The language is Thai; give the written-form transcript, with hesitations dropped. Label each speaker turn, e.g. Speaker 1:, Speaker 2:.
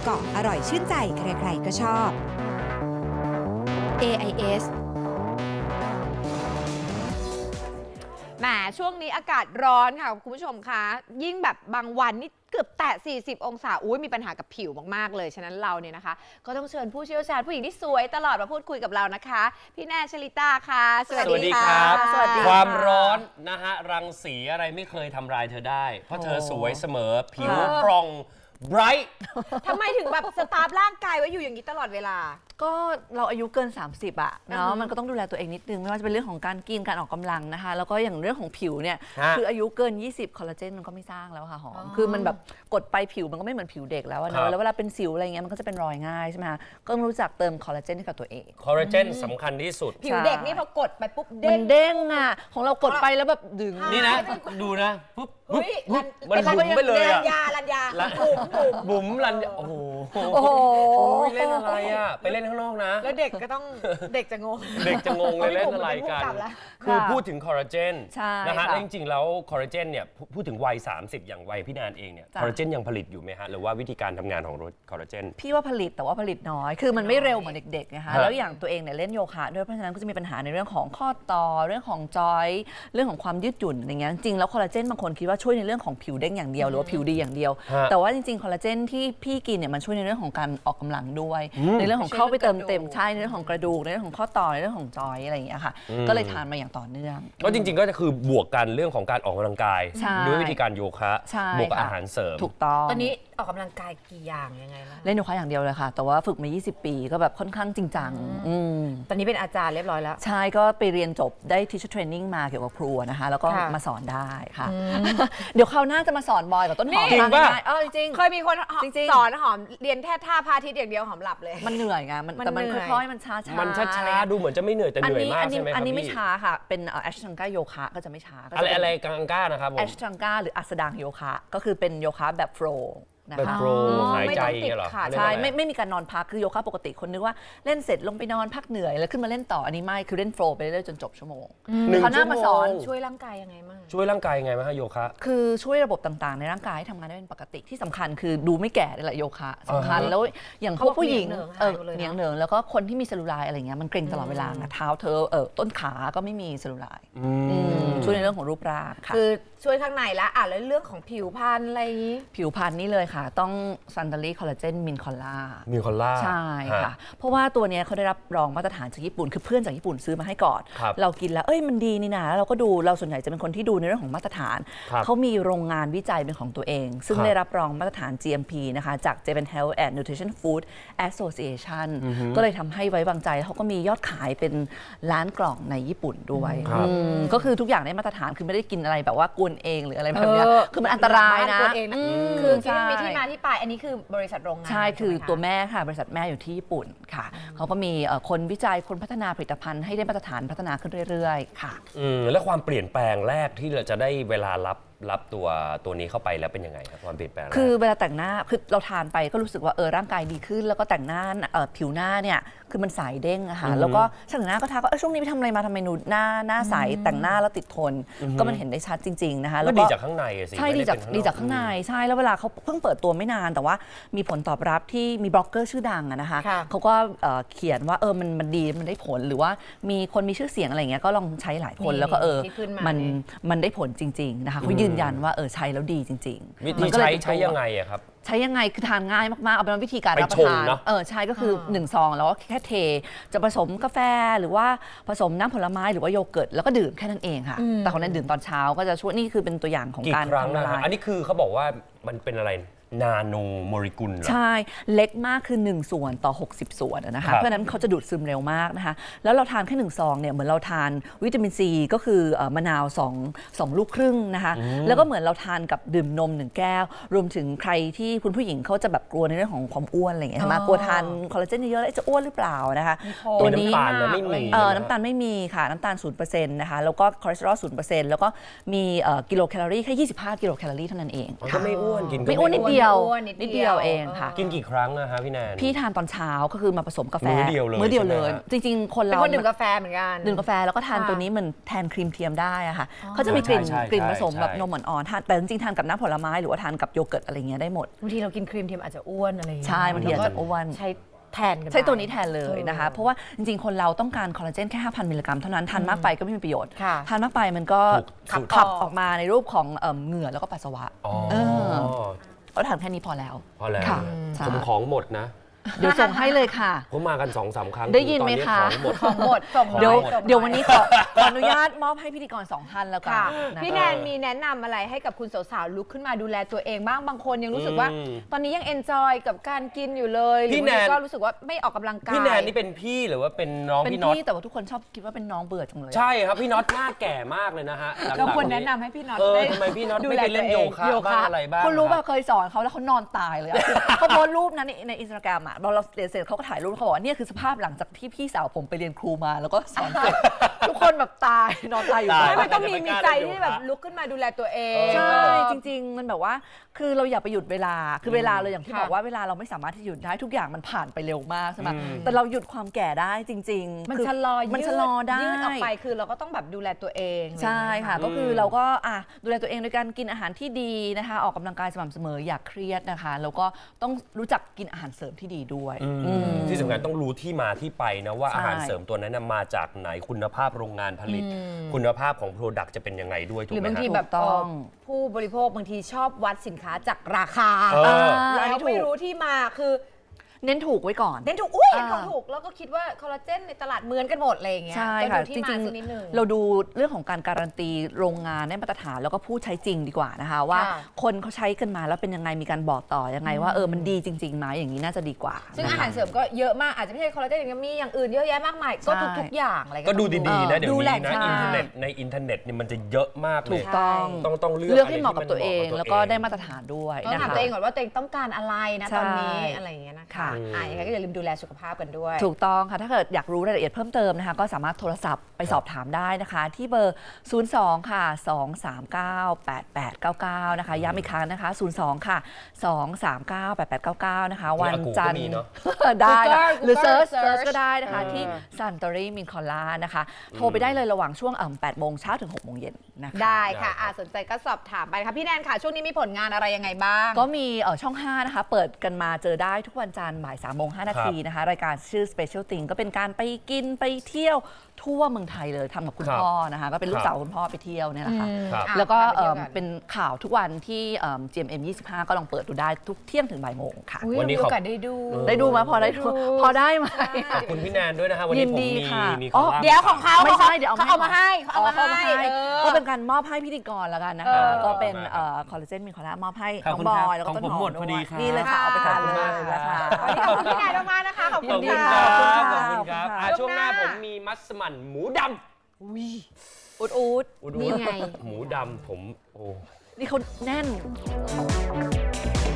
Speaker 1: เกาะอร่อยชื่นใจใครๆก็ชอบ AIS
Speaker 2: แหมช่วงนี้อากาศร้อนค่ะคุณผู้ชมคะยิ่งแบบบางวันนี่เกือบแตะ40 องศามีปัญหากับผิวมากๆเลยฉะนั้นเราเนี่ยนะคะก็ต้องเชิญผู้เชี่ยวชาญผู้หญิงที่สวยตลอดมาพูดคุยกับเรานะคะพี่แนนชลิตาค่ะสวัสดีค่ะ
Speaker 3: สวัสดีครับความร้อนนะฮะรังสีอะไรไม่เคยทำลายเธอได้เพราะเธอสวยเสมอผิวปร่องไบรท์
Speaker 2: ทำไมถึงแบบสตาร์ฟร่างกายไว้อยู่อย่างนี้ตลอดเวลา
Speaker 4: ก็เราอายุเกิน 30อะเนาะมันก็ต้องดูแลตัวเองนิดนึงไม่ว่าจะเป็นเรื่องของการกินการออกกำลังนะคะแล้วก็อย่างเรื่องของผิวเนี่ยคืออายุเกิน 20 คอลลาเจนมันก็ไม่สร้างแล้วค่ะหอมคือมันแบบกดไปผิวมันก็ไม่เหมือนผิวเด็กแล้วนะแล้วเวลาเป็นสิวอะไรเงี้ยมันก็จะเป็นรอยง่ายใช่ไหมคะก็ต้องรู้จักเติมคอลลาเจนให้กับตัวเอง
Speaker 3: คอลลาเจนสำคัญที่สุด
Speaker 2: ผิวเด็กนี่พอกดไปปุ๊บ
Speaker 4: มันเด้งอะของเรากดไปแล้วแบบดึง
Speaker 3: นี่นะดูนะปุ๊บมัน
Speaker 2: บุ๋
Speaker 3: บุ๋มไปเลยอะ
Speaker 2: รัญญา
Speaker 3: บุ๋มรันโอ้โหเล่นอะไรอะไปเล่นข้างนอกนะ
Speaker 2: แล้วเด็กก็ต้องเด็กจะงง
Speaker 3: เลยเล่นอะไรกันคือพูดถึงคอลลาเจนนะฮะจริงๆแล้วคอลลาเจนเนี่ยพูดถึงวัย30อย่างวัยพี่แนนเองเนี่ยคอลลาเจนยังผลิตอยู่ไหมฮะหรือว่าวิธีการทำงานของคอลลาเจน
Speaker 4: พี่ว่าผลิตแต่ว่าผลิตน้อยคือมันไม่เร็วเหมือนเด็กๆนะคะแล้วอย่างตัวเองเนี่ยเล่นโยคะด้วยเพราะฉะนั้นก็จะมีปัญหาในเรื่องของข้อต่อเรื่องของจอยเรื่องของความยืดหยุ่นอย่างเงี้ยจริงแล้วคอลลาเจนบางคนคิดว่าช่วยในเรื่องของผิวเด้งอย่างเดียวหรือว่าผิวดีอย่างเดียวแต่ว่าจริงๆคอลลาเจนที่พี่กินเนี่ยมันช่วยในเรื่องของการออกกำลังด้วยในเรื่องของเข้าไปเติมเต็มใช่ในเรื่องของกระดูกในเรื่องของข้อต่อในเรื่องของจอยอะไรอย่างเงี้ยค่ะก็เลยทานมาอย่างต่อเนื่อง
Speaker 3: ก็จริงๆก็จะคือบวกกันเรื่องของการออกกำลังกายด้วยวิธีการโยคะบวกอาหารเสริม
Speaker 4: ถูกต้อง
Speaker 2: ตอนนี้ออกกำลังกายกี่อย่างยังไงล่ะ
Speaker 4: เล่นโยคะอย่างเดียวเลยค่ะแต่ว่าฝึกมา20 ปีก็แบบค่อนข้างจริงจัง
Speaker 2: ตอนนี้เป็นอาจารย์เรียบร้อยแล้ว
Speaker 4: ใช่ก็ไปเรียนจบได้ teacher training มาเกี่ยวกับครัวนะคะแล้วก็มาสอนได้ค่ะเดี๋ยวคราวหน้าจะมาสอนบอยกับต้นหอม
Speaker 3: จริงป่ะ
Speaker 4: จริง
Speaker 2: เคยมีคนสอนหอมเรียนแค่ท่าพาทิตย์อย่างเดียวหอมหลับเลย
Speaker 4: มันเหนื่อยไงแต่มันค่อยๆมันช้าๆ
Speaker 3: มันช้าๆดูเหมือนจะไม่เหนื่อยแต่เหนื่อยมากใช่ไหมครับ
Speaker 4: อันนี้ไม่ช้าค่ะเป็นแอชทังก้าโยคะก็จะไม่ช้า
Speaker 3: อะไรกังก้านะครับผม
Speaker 4: แอชทังก้าหรืออัสดางโยคะก็คือเป็นโยคะแบบโฟล์
Speaker 3: แบบโปรหายใจอย่างเงี้ยเหรอ
Speaker 4: ใช่ไม่มีการนอนพักคือโยคะปกติคนนึกว่าเล่นเสร็จลงไปนอนพักเหนื่อยแล้วขึ้นมาเล่นต่ออันนี้ไม่คือเล่นโฟล์ไปเรื่อยๆจนจบชั่วโมงเขาหน้ามาสอน
Speaker 2: ช่วยร่างกายยังไงบ้าง
Speaker 3: ช่วยร่างกายยังไงบ้างฮะโยคะ
Speaker 4: คือช่วยระบบต่างๆในร่างกายให้ทำงานได้เป็นปกติที่สำคัญคือดูไม่แก่นี่แหละโยคะสำคัญแล้วอย่างพวกผู้หญิงเหนียงเหนิงแล้วก็คนที่มีเซลลูไลท์อะไรเงี้ยมันเกร็งตลอดเวลาเท้าเธอต้นขาก็ไม่มีเซลลูไลท์ช่วยในเรื่องของรูปร่างค่ะ
Speaker 2: คือช่วยข้างในแล้วแล้วเรื่องของผิวพรรณอะไร
Speaker 4: ผิวพรรณนี่เลยค่ะต้องซันดารีคอลลาเจนมินคอลล่าใช่ค่ะเพราะว่าตัวนี้เขาได้รับรองมาตรฐานจากญี่ปุ่นคือเพื่อนจากญี่ปุ่นซื้อมาให้ก่อนเรากินแล้วมันดีนี่นะเราก็ดูเราส่วนใหญ่จะเป็นคนที่ดูในเรื่องของมาตรฐานเขามีโรงงานวิจัยเป็นของตัวเองซึ่งได้รับรองมาตรฐาน GMP นะคะจาก Japan Health and Nutrition Food Association ก็เลยทำให้ไว้วางใจเขาก็มียอดขายเป็นล้านกล่องในญี่ปุ่นด้วยก็คือทุกอย่างได้มาตรฐานคือไม่ได้กินอะไรแบบว่ากวนเองหรืออะไรแบบนี้คือมันอันตรายนะ
Speaker 2: คือมีที่มาที่ไปอันนี้คือบริษัทโรงงาน
Speaker 4: ใช่คือตัวแม่ค่ะบริษัทแม่อยู่ที่ญี่ปุ่นค่ะเขาก็มีคนวิจัยคนพัฒนาผลิตภัณฑ์ให้ได้มาตรฐานพัฒนาขึ้นเรื่อยๆค่ะ
Speaker 3: แล้วความเปลี่ยนแปลงแรกที่เราจะได้เวลารับตัวนี้เข้าไปแล้วเป็นยังไงครับความเปลี่ยนแปลง
Speaker 4: คือเวลาแต่งหน้าคือเราทานไปก็รู้สึกว่าร่างกายดีขึ้นแล้วก็แต่งหน้าผิวหน้าเนี่ยคือมันใสเด้งอะค่ะแล้วก็ช่างแต่งหน้าก็ทักว่าช่วงนี้ไปทำอะไรมาทำไมหน้าใสแต่งหน้าแล้วติดทนก็มันเห็นได้ชัดจริงๆนะคะ
Speaker 3: แล้วก็ดีจากข้างในสิ
Speaker 4: ใช่ดีจากข้างในใช่แล้วเวลาเขาเพิ่งเปิดตัวไม่นานแต่ว่ามีผลตอบรับที่มีบล็อกเกอร์ชื่อดังนะคะเขาก็เขียนว่ามันดีมันได้ผลหรือว่ามีคนมีชื่อเสียงอะไรเงี้ยก็ลองใช้หลายคนแล้วก็มันได้ผลจริงๆนะคะเขายืนยันว่าใช้แล้วดีจริง
Speaker 3: ๆวิธีใช้ยังไงอะครับ
Speaker 4: ใช้ยังไงคือทานง่ายมากๆเอาเป็นวิธีการรับประทานใช่ก็คือ1 ซองแล้วก็แค่เทจะผสมกาแฟหรือว่าผสมน้ำผลไม้หรือว่าโยเกิร์ตแล้วก็ดื่มแค่นั้นเองค่ะแต่ของนั้นดื่มตอนเช้าก็จะช่วยนี่คือเป็นตัวอย่างของการ
Speaker 3: ทำละลายอันนี้คือเขาบอกว่ามันเป็นอะไรนาโนโมเลกุล
Speaker 4: ใช่เล็กมากคือ1 ส่วนต่อ60 ส่วนนะคะเพราะฉะนั้นเขาจะดูดซึมเร็วมากนะคะแล้วเราทานแค่1 ซองเนี่ยเหมือนเราทานวิตามินซีก็คือมะนาว2 ลูกครึ่งนะคะแล้วก็เหมือนเราทานกับดื่มนม1 แก้วรวมถึงใครที่คุณผู้หญิงเขาจะแบบกลัวในเรื่องของความอ้วนอะไรอย่างเงี้ยมากลัวทานคอลลาเจนเยอะๆแล้วจะอ้วนหรือเปล่านะคะ
Speaker 3: ตัวนี้
Speaker 4: น้ำตาลไม่มีค่ะน้ำตาล 0% นะคะแล้วก็คอเลสเตอรอล 0% แล้วก็มีกิโลแคลอรี่แค่25 กิโลแคลอรี่เท่านั้นเอง
Speaker 3: ก็ไม่อ้วนกิน
Speaker 4: ไม่อ้วนนิดเดียวยว
Speaker 2: อ้วน
Speaker 4: นิดเดียวเองค่ะ
Speaker 3: กินกี่ครั้งอะฮะพี่แนน
Speaker 4: พี่ทานตอนเช้าก็คือมาผสมกาแฟ
Speaker 3: มื้อเดียวเลย
Speaker 4: มื้อเดียวเลย
Speaker 3: ใช่ไหมฮะ
Speaker 4: จริงๆ คน
Speaker 2: เป็น
Speaker 4: เรา
Speaker 2: คนดื่มกาแฟเหมือนกัน
Speaker 4: ดื่มกาแฟแล้วก็ทาน
Speaker 2: ค่ะ
Speaker 4: ตัวนี้เหมือนแทนครีมเทียมได้อะค่ะเขาจะมีกลิ่น
Speaker 3: ใช่
Speaker 4: กลิ่นผสม
Speaker 3: ใช่
Speaker 4: แบบนมอ่อนๆทานแต่จริงๆทานกับน้ำผลไม้หรือว่าทานกับโยเกิร์ตอะไรเงี้ยได้หมด
Speaker 2: บางทีเรากินครีมเทียมอาจจะอ้วนอะไรอย่างเงี้ย
Speaker 4: ใช่บางทีอาจจะอ้วน
Speaker 2: ใช้แทนกัน
Speaker 4: ใช้ตัวนี้แทนเลยนะคะ
Speaker 2: เออ
Speaker 4: เพราะว่าจริงๆ คนเราต้องการคอลลาเจนแค่ 5,000 มิลลิกรัมเท่านั้นทานมากไปก็ไม่มีประโยชน์
Speaker 2: ค่ะ
Speaker 4: ทานมากไปมันก็
Speaker 3: ถูก
Speaker 4: ขับออกมาในรูปของเหงื่อแล้วก็ปัสสาวะ
Speaker 3: อ๋อ
Speaker 4: เออ ก็ทานแค่นี้พอแล้ว
Speaker 3: พอแล้ว
Speaker 4: ค่ะใช่
Speaker 3: ผมของหมดนะ
Speaker 4: เดี๋ยวส่งให้เลยค่ะ
Speaker 3: ผมมากัน 2-3 ครั้ง
Speaker 4: ได้ยินไหม
Speaker 3: ตอ
Speaker 4: คะ
Speaker 3: ของหมด
Speaker 2: ส่ง
Speaker 4: เดี๋ยว
Speaker 2: ส่งให้
Speaker 4: เดี๋ยววันนี้ขออนุญาตมอบให้พิธีกร2ท่านแล้วกัน
Speaker 2: ค่ะ
Speaker 4: นะคะ
Speaker 2: พี่แนนมีแนะนำอะไรให้กับคุณสาวๆลุกขึ้นมาดูแลตัวเองบ้างบางคนยังรู้สึกว่า ตอนนี้ยังเอนจอยกับการกินอยู่เลยหรื
Speaker 3: พี่
Speaker 2: อบาง
Speaker 3: แน
Speaker 2: ที
Speaker 3: น
Speaker 2: ก็รู้สึกว่าไม่ออกกำลังกาย
Speaker 3: พี่แนนนี่เป็นพี่หรือว่าเป็นน้อง
Speaker 4: เป็น
Speaker 3: พี่น็อต
Speaker 4: พี่แต่ว่าทุกคนชอบคิดว่าเป็นน้องเบื่อจังเลย
Speaker 3: ใช่ครับพี่น็อตหน้าแก่มากเลยนะฮะหลังๆ
Speaker 2: เราควรแนะนำให้พี่น็อต
Speaker 3: เออ
Speaker 2: ได้
Speaker 3: ทำไมพี่น็อต
Speaker 2: ดู
Speaker 3: ไม่
Speaker 2: แล
Speaker 3: ไปเล่น
Speaker 2: ตัว
Speaker 3: โย
Speaker 2: เอง
Speaker 3: คะ
Speaker 2: โยคะ
Speaker 3: บ้างอะไรบ้าง
Speaker 4: คุณรู้
Speaker 3: ค
Speaker 4: ป่ะ
Speaker 3: บ
Speaker 4: เคยสอนเขาแล้วเขานอนตายเลยอะ เขาโพสต์รูปนั้นในอินสตาแกรมอะเราเรียนเสร็จเขาก็ถ่ายรูปเขาบอกว่าเนี่ยคือสภาพหลังจากที่พี่สาวผมไปเรียนครูมาแล้วก็สอนเสร็จ ทุกคนแบบตายนอนตายอยู่
Speaker 3: ตาย
Speaker 2: ไม่มันต้องมี
Speaker 3: ไม่กล้า
Speaker 2: ใจ
Speaker 3: เล่นโยคะ
Speaker 2: ที่แบบลุกขึ้นมาดูแลตัวเอง
Speaker 4: ใช่จริง ๆ มันแบบว่าคือเราอย่าไปหยุดเวลาคือเวลาเราอย่างที่
Speaker 2: ค่ะ
Speaker 4: บอกว่าเวลาเราไม่สามารถที่จะหยุดได้ทุกอย่างมันผ่านไปเร็วมากใช่ไหม
Speaker 3: อืม
Speaker 4: แต่เราหยุดความแก่ได้จริงๆ
Speaker 2: มัน
Speaker 4: คือ
Speaker 2: ชะลอ
Speaker 4: มันชะลอได้
Speaker 2: ยืดออกไปคือเราก็ต้องแบบดูแลตัวเอง
Speaker 4: ใช่ค่ะ
Speaker 2: อไรอย่างเงี้ย
Speaker 4: ก็คือเราก็ดูแลตัวเองโดยการกินอาหารที่ดีนะคะออกกำลังกายสม่ำเสมออย่าเครียดนะคะแล้วก็ต้องรู้จักกินอาหารเสริมที่ดีด้วย อืม
Speaker 3: ที่สำคัญต้องรู้ที่มาที่ไปนะว่า
Speaker 4: ใช่
Speaker 3: อาหารเสริมตัวนั้นนะมาจากไหนคุณภาพโรงงานผลิต คุณภาพของโปรดักต์จะเป็นยังไงด้วยถูก
Speaker 2: หรือ
Speaker 3: ไหม
Speaker 2: บางที
Speaker 3: ฮะ
Speaker 2: แบบ
Speaker 4: ถูกต้อง
Speaker 2: ผู้บริโภคบางทีชอบวัดสินค้าจากราคา
Speaker 3: เออ
Speaker 2: แล้วไม่รู้ที่มาคือ
Speaker 4: เน้นถูกไว้ก่อน
Speaker 2: เน้นถูกอุ้ย
Speaker 4: อ่า
Speaker 2: ของถูกแล้วก็คิดว่าคอลลาเจนในตลาดเหมือนกันหมดอะไรอย่างเงี้ย
Speaker 4: ใช่
Speaker 2: ก็
Speaker 4: ค่ะ
Speaker 2: ดูที่
Speaker 4: จ
Speaker 2: มา
Speaker 4: ริง
Speaker 2: สักนิดนึง
Speaker 4: ๆ เราดูเรื่องของการการันตีโรงงานได้มาตรฐานแล้วก็ผู้ใช้จริงดีกว่านะคะว่า
Speaker 2: ค่ะ
Speaker 4: คนเขาใช้กันมาแล้วเป็นยังไงมีการบอกต่อยังไงว่ามันดีจริงๆไหมอย่างนี้น่าจะดีกว่า
Speaker 2: ซึ่ง
Speaker 4: นะคะ
Speaker 2: อาหารเสริมก็เยอะมากอาจจะไม่ใช่คอลลาเจนอย่างเดียวมีอย่างอื่นเยอะแยะมากมายก็
Speaker 4: ใช่
Speaker 2: ทุกๆอย่างอะไร
Speaker 3: ก็ดูดีๆนะเดี๋ยว
Speaker 2: ดูแล
Speaker 3: นี้นะ
Speaker 2: ใช่
Speaker 3: อินเทอร์เน็ตในอินเทอร์เน็ตเนี่ยมันจะเยอะมากเล
Speaker 4: ถู
Speaker 3: ย
Speaker 4: กต้อง
Speaker 3: ต้องเลือก
Speaker 4: เลือกให้
Speaker 3: ะไร
Speaker 4: เหมาะกับตัวเอง
Speaker 3: มัน
Speaker 4: แล้วก็ได้มาตรฐานด้วย
Speaker 2: ต้อง
Speaker 4: นะ
Speaker 2: ถาม
Speaker 4: คะ
Speaker 2: ตัวเองก่อนว่าตัวเองต้องการอะไรนะ
Speaker 4: ใช่
Speaker 2: ตอนนี้อะไรอย่างเงี้ยนะคะ
Speaker 4: ค่ะ
Speaker 2: ยังไงก็อย่าลืมดูแลสุขภาพกันด้วย
Speaker 4: ถูกต้องค่ะ ถ้าเกิดอยากรู้รายละเอียดเพิ่มเติมนะคะ ก็สามารถโทรศัพท์ไปสอบถามได้นะคะ ที่เบอร์ 02 ค่ะ 239 8899 นะคะ ย้ำอีกครั้งนะคะ 02 ค่ะ 239 8899 นะคะ วันจันทร์
Speaker 3: มีเนอะ
Speaker 4: ได้นะ
Speaker 2: Google
Speaker 4: หรือเซิร์ช
Speaker 2: search
Speaker 4: ก็ได้นะคะ
Speaker 2: เออ
Speaker 4: ที่ Suntory Min Cola นะคะ โทรไปได้เลยระหว่างช่วง8โมงเช้าถึง6โมงเย็นนะคะ
Speaker 2: ได้ค่ะ
Speaker 3: ได้ครับ
Speaker 2: สนใจก็สอบถามไปค่ะพี่แนนค่ะ ช่วงนี้มีผลงานอะไรยังไงบ้าง
Speaker 4: ก็มีช่อง 5 นะคะ เปิดกันมาเจอได้ทุกวันจันทร์บ่าย3โมง5นาทีนะคะ รายการชื่อ Special Thing ก็เป็นการไปกินไปเที่ยวทั่วเมืองไทยเลยทำกับคุณ
Speaker 3: ครับ
Speaker 4: พ่อนะคะ ก็เป็นลู
Speaker 3: ค
Speaker 4: ก
Speaker 3: รับ
Speaker 4: สาวคุณพ่อไปเที่ยวเนี่ยแหละค่ะ
Speaker 3: ครับ
Speaker 4: แล้วก็
Speaker 2: ไปที่ยวน
Speaker 4: เป็นข่าวทุกวันที่GMM 25 ก็ลองเปิดดูได้ทุกเที่ยงถึงบ่ายโมงค่ะ
Speaker 2: อุ๊ย
Speaker 3: วันนี้
Speaker 2: มี
Speaker 3: ขอบ
Speaker 2: โอกาสได้ดู
Speaker 4: ได้ดูไหมพอได้ดูพอได้ไหม
Speaker 3: ขอบคุณพี่แนนด้วยนะฮะวัน
Speaker 4: ยิ
Speaker 3: นี้
Speaker 4: น
Speaker 3: ผม
Speaker 4: ดี
Speaker 3: มี
Speaker 4: ค่ะ
Speaker 3: มี
Speaker 4: อ๋อ
Speaker 3: คอลลา
Speaker 2: เดี๋ยวของเขา
Speaker 4: ไม่ใช่เดี๋ยว
Speaker 2: เขาเอามาให้เขาเอามา
Speaker 4: เข้ามา
Speaker 2: ให้
Speaker 4: ให้
Speaker 2: เออ
Speaker 4: ก็เป็นการมอบให้พิธีกรแล้วกันนะคะ
Speaker 2: เออ
Speaker 4: ก็เป็นคอลลาเจนมีคอลลามอบให้
Speaker 3: ขอบ
Speaker 4: น้อง
Speaker 3: คุณ
Speaker 4: บ
Speaker 3: ค
Speaker 4: อ
Speaker 3: รับ
Speaker 4: ยแล้วก็
Speaker 3: ของ
Speaker 4: ต้น
Speaker 3: ผม
Speaker 4: หอ
Speaker 3: หม
Speaker 4: ม
Speaker 3: ดพอดีครับ
Speaker 4: นี่เลยค่ะเอาไปทานเลย
Speaker 3: ขอบคุณมาก
Speaker 4: นะคะ
Speaker 2: วันนี้ขอบคุณพี่แนนมากๆนะคะขอบ
Speaker 3: ข
Speaker 2: คุ
Speaker 3: อบ
Speaker 2: ณ
Speaker 3: คุณ
Speaker 2: ค่ะ
Speaker 3: ครับ
Speaker 4: ขอบคุณ
Speaker 3: ขอบคุณครับ
Speaker 4: ค่ะ
Speaker 3: ช่วงหน้าผมมีมัสมั่นหมูด
Speaker 4: อุดอุด
Speaker 3: ำอุด
Speaker 2: นี่ไง
Speaker 3: หมูดำผมโอ้
Speaker 4: นี่เขาแน่น